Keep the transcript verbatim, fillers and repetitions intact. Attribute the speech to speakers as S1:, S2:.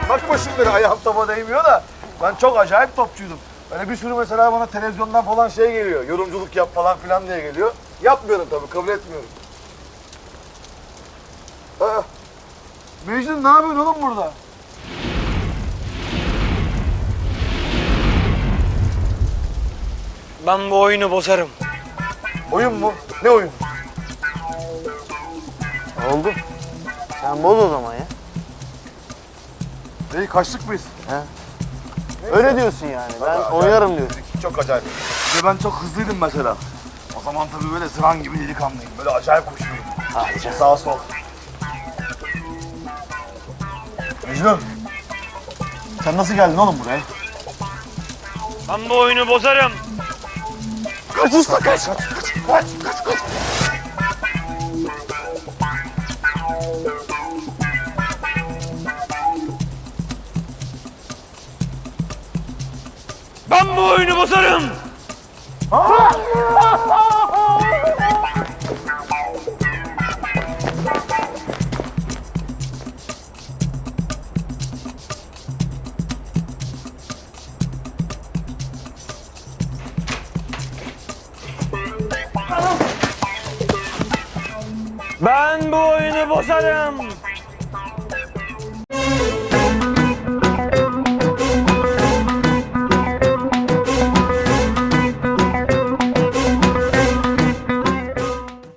S1: Bakma şimdi ayağım topa değmiyor da ben çok acayip topçuydum. Böyle bir sürü mesela bana televizyondan falan şey geliyor. Yorumculuk yap falan filan diye geliyor. Yapmıyorum tabii, kabul etmiyorum. Aa, Mecnun ne yapıyorsun oğlum burada?
S2: Ben bu oyunu bozarım.
S1: Oyun mu? Ne oyun?
S3: Oldu. Sen boz o zaman ya.
S1: Neyi, kaçtık mıyız?
S3: Öyle diyorsun yani. Ben oynarım diyorsun.
S1: Çok acayip. Bir de ben çok hızlıydım mesela. O zaman tabii böyle sıran gibi delikanlıyım. Böyle acayip koşuyordum.
S3: Hadi canım.
S1: Sağ sol. Mecnun. Sen nasıl geldin oğlum buraya?
S2: Ben bu oyunu bozarım.
S1: Kaç usta kaç. Kaç kaç kaç kaç.
S2: Ben bu oyunu bozarım. Ben bu oyunu bozarım.